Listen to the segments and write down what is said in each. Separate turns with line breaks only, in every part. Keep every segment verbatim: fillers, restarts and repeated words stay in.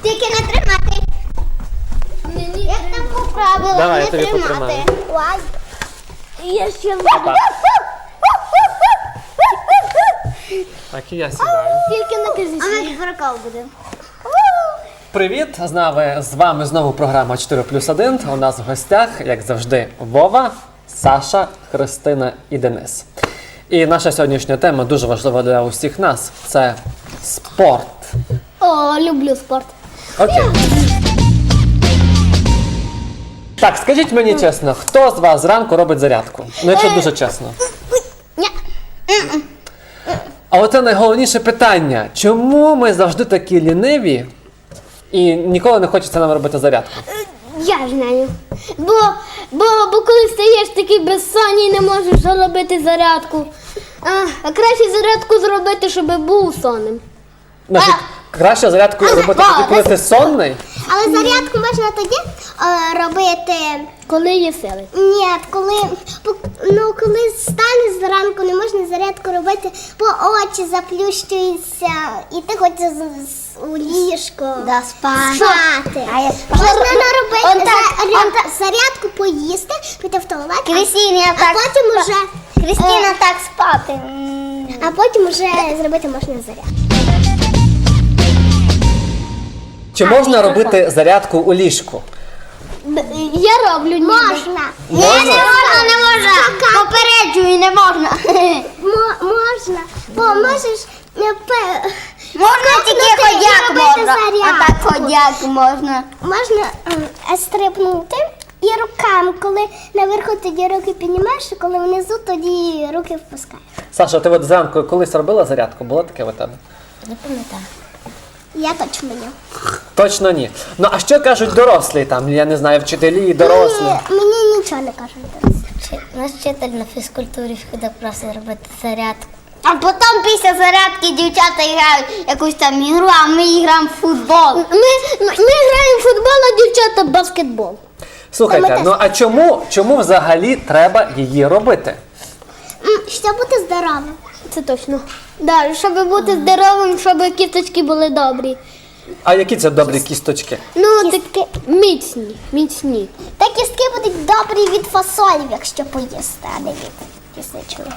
Тільки не тримати. Як там по правилам
Давай, я
не
тобі
тримати.
потримаю.
Ой. Я ще
Опа. Так, і я сідаю.
Тільки не кажи. А ми прикол буде.
Привіт! З нами, з вами знову програма чотири плюс один. У нас в гостях, як завжди, Вова, Саша, Христина і Денис. І наша сьогоднішня тема дуже важлива для усіх нас. Це спорт.
О, люблю спорт.
Окей. Так, скажіть мені чесно, хто з вас зранку робить зарядку? Ну, якщо дуже чесно.
Ні.
А оце найголовніше питання. Чому ми завжди такі ліниві і ніколи не хочеться нам робити зарядку?
Я знаю. Бо, бо, бо коли стаєш такий безсонний, не можеш зробити зарядку. А, а краще зарядку зробити, щоб був сонним.
Значить, краще зарядку робити тоді, коли ти сонний?
Але зарядку можна тоді е, робити.
Коли є сили.
Ні, коли ну коли станеш зранку, не можна зарядку робити, бо очі заплющуються, і ти хочеш з- з- у ліжко
Да, спати.
спати.
А я-
Можна наробити
Он так,
заря-
он так.
зарядку, поїсти, піти в туалет, а-
Крістіна
а
так
потім
спа-
уже
Крістіна
е,
так спати.
а потім уже зробити можна зарядку.
Чи можна робити зарядку у ліжку?
Я роблю ніби.
Можна.
Можна?
не можна, не можна. Попереджую, не можна.
Мо- можна. Бо можеш е, пе-
Можна тільки
Скакнути і
ходяк
робити
можна.
зарядку.
А так ходяк можна.
Можна е, стрибнути і руками, коли наверху тоді руки піднімаєш, а коли внизу, тоді руки впускаєш.
Саша, ти от зранку колись робила зарядку? Було таке у тебе?
Не пам'ятаю.
Я точно ні.
Точно ні. Ну а що кажуть дорослі там, я не знаю, вчителі, дорослі?
Мені, мені нічого не кажуть.
Наш вчитель на фізкультурі ходив просто робити зарядку. А потім після зарядки дівчата грають якусь там ігру, а ми граємо в футбол. Ми, ми, ми граємо в футбол, а дівчата в баскетбол.
Слухайте, ну а чому, чому взагалі треба її робити?
М, Щоб бути здоровим.
Це точно. Да, щоб бути здоровим, щоб кісточки були добрі.
А які це добрі кісточки?
Ну, такі міцні, міцні.
Та кістки будуть добрі від фасолів, якщо поїсти, а не від кісточок.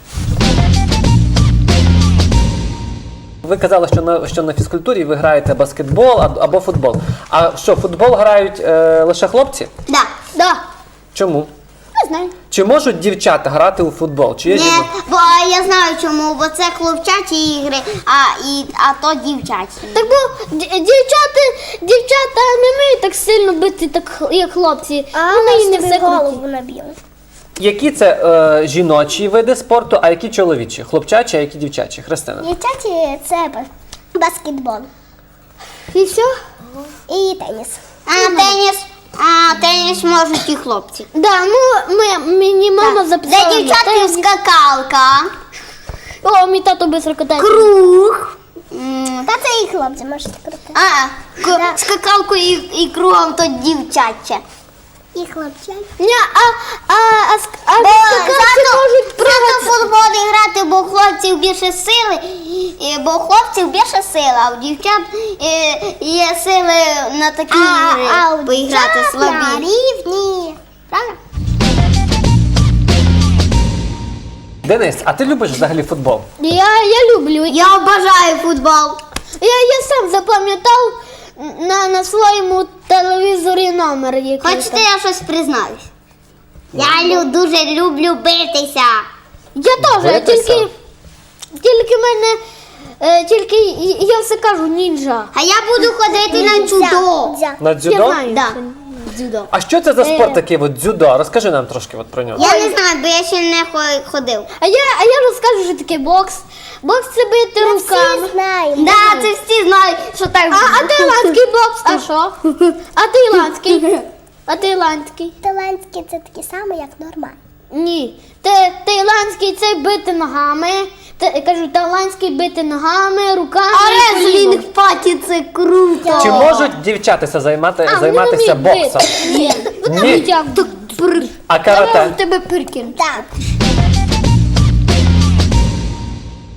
Ви казали, що на, що на фізкультурі ви граєте баскетбол а- або футбол. А що, футбол грають е, лише хлопці?
Да. Да.
Чому?
Не знаю.
Чи можуть дівчата грати у футбол? Чи є
Ні,
жінок?
бо я знаю чому, бо це хлопчачі ігри, а, і, а то дівчачі.
Так бо д- дівчата, дівчата не вміють так сильно бити, так як хлопці. Вони і не все
голову
круті.
наб'ємо.
Які це е, жіночі види спорту, а які чоловічі? Хлопчачі, а які дівчачі? Христина.
Дівчаті це ба- баскетбол
І все?
і теніс.
А теніс, а теніс можуть і хлопці.
Да, ну ми, мені мама записала.
Для
на
дівчатків
теніс.
скакалка,
О, мій тато без катається.
круг. М,
Та це і хлопці можуть крути.
А, к- скакалку і, і кругом то дівчаче.
І хлопчак.
Ні, а, а, а, ск- а
Бо
скакалці
зато,
можуть
зато
пригати.
в футбол грати, бо у хлопців більше сили, і- бо у хлопців більше сили, а у дівчат е, є сили на такі ігри
а у
поіграти
дівчат на
слабі.
рівні. Правда?
Денис, а ти любиш взагалі футбол?
Я, я люблю. Я,
Я обожаю футбол.
я, я сам запам'ятав на, на своєму телевізорі номер. Який
Хочете,
там.
я щось признаюсь? Я лю, дуже люблю битися.
Я теж,
Битися?
тільки, тільки мене, е, тільки я- я все кажу нінджа.
А я буду ходити на дзюдо.
Дзя.
На
Я
дзюдо?
знаю,
Да.
що дзюдо.
А що це за
Е.
спорт такий от дзюдо? Розкажи нам трошки от про нього.
Я не знаю, бо я ще не хо- ходив.
А я, а я розкажу, що таке бокс. Бокс це бити
Ми
руками.
всі знаємо.
Да, це всі знають, що так.
А, а таїландський бокс, ти що? А таїландський? А таїландський?
Талантські це такі самі, як нормальні.
Ні. Та- Таїландський це бити ногами. Та, кажу, таїландський бити ногами, руками.
А
і коліном.
реслінг паті це круто.
Чи можуть дівчатися займати,
А, вони
займатися
не вміють
боксом?
бити. Ні. Вони
Ні.
вміють як.
А карате?
тебе пиркін.
Так.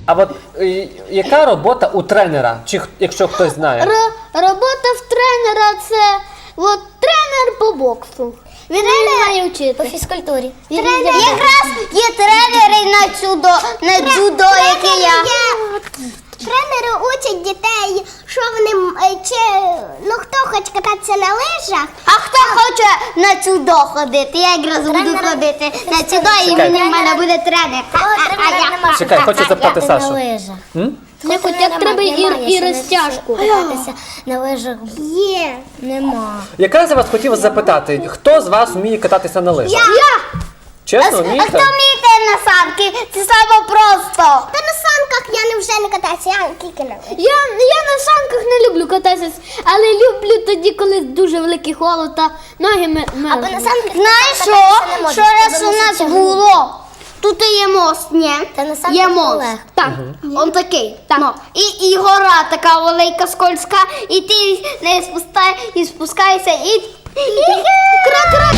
А от е, яка робота у тренера, чи х- якщо хтось знає?
Р- робота в тренера це от тренер по боксу. Він не має вчити.
По фізкультурі.
Він
Тренер,
не має.
якраз є тренери на дзюдо, на дзюдо, яке я.
Тренери учать дітей, що вони м- е, чи ну хто хоче кататися на лижах.
А хто хоче на дзюдо ходити? Я якраз буду
Тренера-
ходити на дзюдо, і
Чекай.
він в мене буде тренер.
О, тренера нема.
Чекай, хочу запитати
на
Сашу.
лижах.
М?
Не хоч як треба і, і розтяжку.
Кататися на лижах Є. нема.
Якраз я вас хотів запитати, хто з вас вміє кататися на лижах?
Я!
Чесно,
А хто
вмієте?
вміє на санки? Це саме просто.
Та на санках я не вже не катаюся, я тільки на лижах.
Я, я на санках не люблю кататися, але люблю тоді, коли дуже великий холод та ноги ме-
Або на
мерзнуть.
санках
Знаєш що?
кататися не можна,
Що раз
тому
у
що
нас
це
було? Тут є мост, ні?
Та на санках
Є мост.
легко.
Так.
Он такий. Ну, і, і гора така велика, скользка, і ти не спускай, і спускаєшся, і, і крак-крак.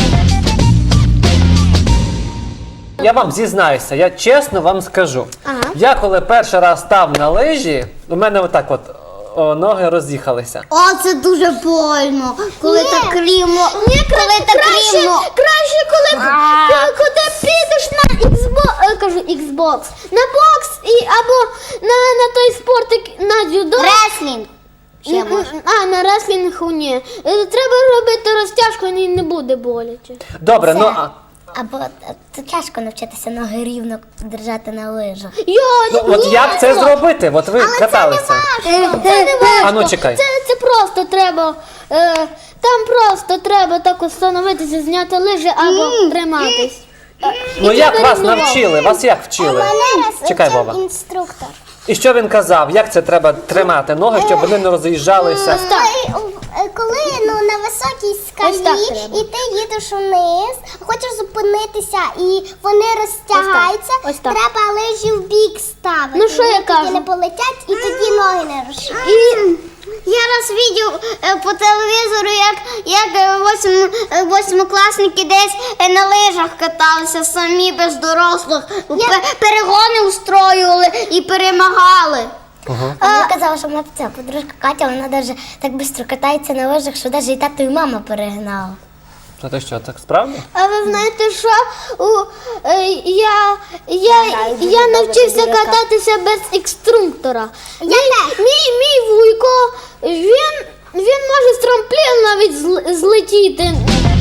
Я вам зізнаюся, я чесно вам скажу.
Ага.
Я коли перший раз став на лижі, у мене отак от о, ноги роз'їхалися.
О, це дуже больно, коли
Ні.
так рівно,
Ні,
коли так
краще,
рівно.
краще, коли,
А.
коли, коли підеш на Xbox, е, кажу Xbox, на бокс і або на, на той спорт, як- на дзюдо.
Реслінг. Ще
М,
може.
А, на реслінгу ні. Е, Треба робити розтяжку, і не буде боляче.
Добре, ну а
Або е, це тяжко навчитися ноги рівно держати на лижах.
Йо,
ну, от
ні,
як це зробити? От ви каталися.
Це не важко.
А ну, чекай.
Це, це просто треба. Е, там просто треба так встановитися, зняти лижі або триматись.
Ну
І
як
треба
вас
рівновагу.
навчили? Вас як вчили?
Мене раз
Чекай,
вчив
Вова.
інструктор.
І що він казав? Як це треба тримати ноги, щоб вони не роз'їжджалися?
Так.
Коли, е, коли ну, на високій
Ось так
скалі
треба.
і ти їдеш униз, хочеш зупинитися і вони розтягаються,
Ось так.
треба лижі в бік ставити.
Ну, що
Вони
я
тоді
кажу?
не полетять і тоді ноги не розширять.
І я раз бачив е, по телевізору, як, як е, восьм, е, восьмикласники десь е, на лижах каталися самі без дорослих, Пе- перегони устроювали і перемагали.
А мені казала, що моя ця подружка Катя, вона навіть так швидко катається на лижах, що навіть і тато, і мама перегнала.
А ти що, так справді?
А ви знаєте, що у, е, я, я, я навчився кататися без інструктора. Мій, мій, мій вуйко, він, він може з трампліну навіть зл- злетіти.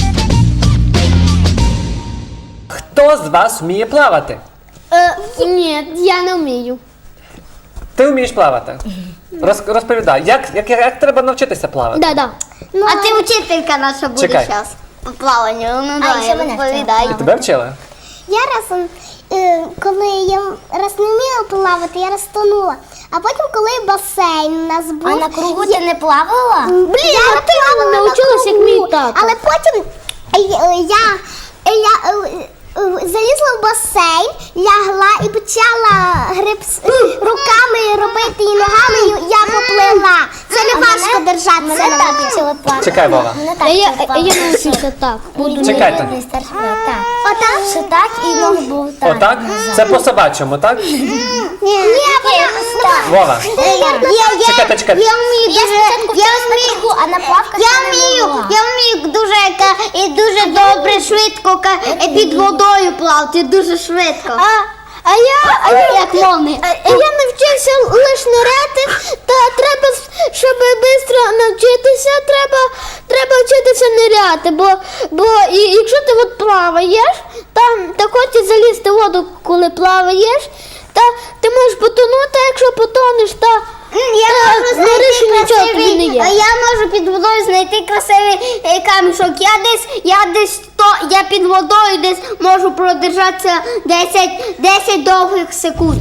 Хто з вас вміє плавати?
Е, ні, я не вмію.
Ти вмієш плавати? Роз, розповідай, як, як, як треба навчитися плавати?
Да, да.
А ти вчителька наша буде
Чекай.
зараз по плаванню. Ну
А,
давай,
ще мене
розповідай.
вчила.
Тебе вчили?
Я раз, е, коли я раз не вміла плавати, я розтонула. А потім, коли басейн у нас був.
А на кругу
я-
ти не плавала?
Блін, я
ти
плавала на
навчилась, як
кругу,
мій тато.
Але потім е, е, я, е, я е, е, залізла в басейн, лягла і почала гриб з- руками робити і ногами, і я поплила. Це не важко держатися на воді.
Чекай, Вова.
Я, я, я навчився так. Буду
Чекайте.
Отак. Отак? Що так і ноги були так.
Отак? Це по собачому, так?
Ні,
Вова. Чекайте, чекайте.
Я вмію дуже, я вмію,
а на плавках
я вмію, я вмію дуже ка- і дуже добре, швидко ка- е, під водою плавати, дуже швидко.
А, а я, а я,
Як молния.
а я навчився лиш ниряти, та треба, с- щоб швидко навчитися, треба, треба вчитися ниряти, бо, бо і, якщо ти от плаваєш, там та хочеш залізти в воду, коли плаваєш, та ти можеш потонути, а якщо потонеш, та
Я
Та,
можу
на рисі
знайти
нічого тобі не
красивий,
є.
а я можу під водою знайти красивий е, камішок. Я десь, я десь то, я під водою десь можу продержатися десять, десять довгих секунд.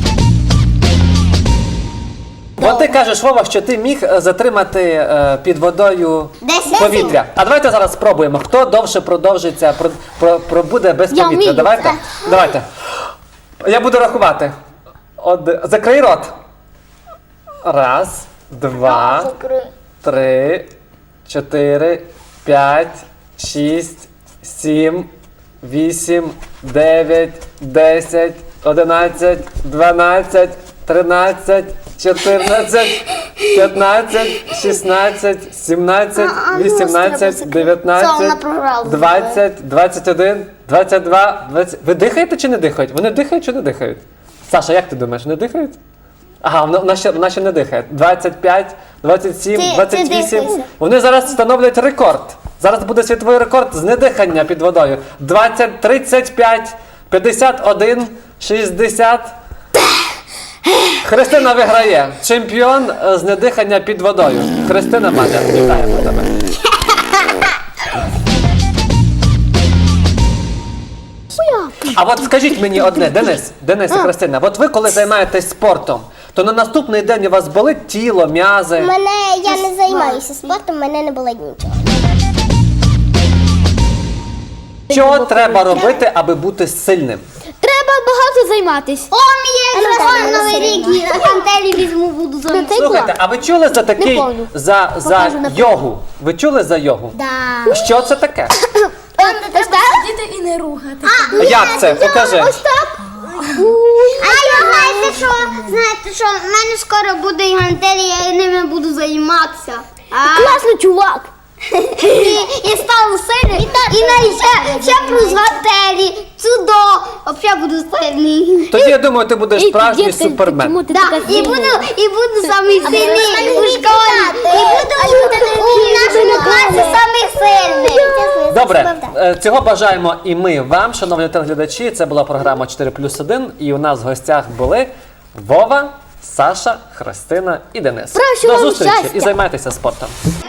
От ти кажеш, Вова, що ти міг е, затримати е, під водою
Десять
повітря. А давайте зараз спробуємо, хто довше продовжиться, про, про, пробуде без
Я
повітря.
вмію.
Давайте. Давайте. Я буду рахувати. Од... Закрий рот. Раз, два, три, чотири, п'ять, шість, сім, вісім, дев'ять, десять, одинадцять, дванадцять, тринадцять, чотирнадцять, п'ятнадцять, шістнадцять, сімнадцять, вісімнадцять,
Все, вона
дев'ятнадцять,
програла.
двадцять, двадцять один, двадцять два, двадцять... Ви дихаєте чи не дихають? Вони дихають чи не дихають? Саша, як ти думаєш, вони дихають? Ага, вона, вона, ще, вона ще не дихає. двадцять п'ять, двадцять сім,
Ти- ти
двадцять вісім.
дихайся.
Вони зараз встановлять рекорд. Зараз буде світовий рекорд з недихання під водою. двадцять, тридцять п'ять, п'ятдесят один, шістдесят. Христина виграє. Чемпіон е, з недихання під водою. Христина Маля, вітаємо тебе. А от скажіть мені одне, Денис, Денис і Христина, от ви коли займаєтесь спортом, то на наступний день у вас болить тіло, м'язи.
Мене я не займаюся спортом, мене не болить нічого.
Що треба робити, аби бути сильним?
Треба багато займатися.
О, мій
Ну,
телефон
так,
новий рік,
ну,
і гантелі візьму, буду за
Слухайте, а ви чули за такий,
помню.
за, за йогу? Ви чули за йогу?
Да.
Що це таке?
Сидіти і не рухати.
Як це? Покажи.
А я знаєте що? Знаєте що? В мене скоро буде і гантелі, я ними буду займатися. А,
Класний чувак.
і, і стану сильним. І навіть ще, ще плюс гантелі, цудо. Взагалі буду сильний.
Тоді я думаю, ти будеш справжній супермен.
ти
Да,
така
і буду, і буду самий сильний у школі. І буду
А
у,
що
у нашому класі самий сильний.
Добре, е, цього бажаємо і ми вам, шановні телеглядачі. Це була програма чотири плюс один, і у нас в гостях були Вова, Саша, Христина і Денис.
Прошу
До
вам
зустрічі
щастя.
і займайтеся спортом.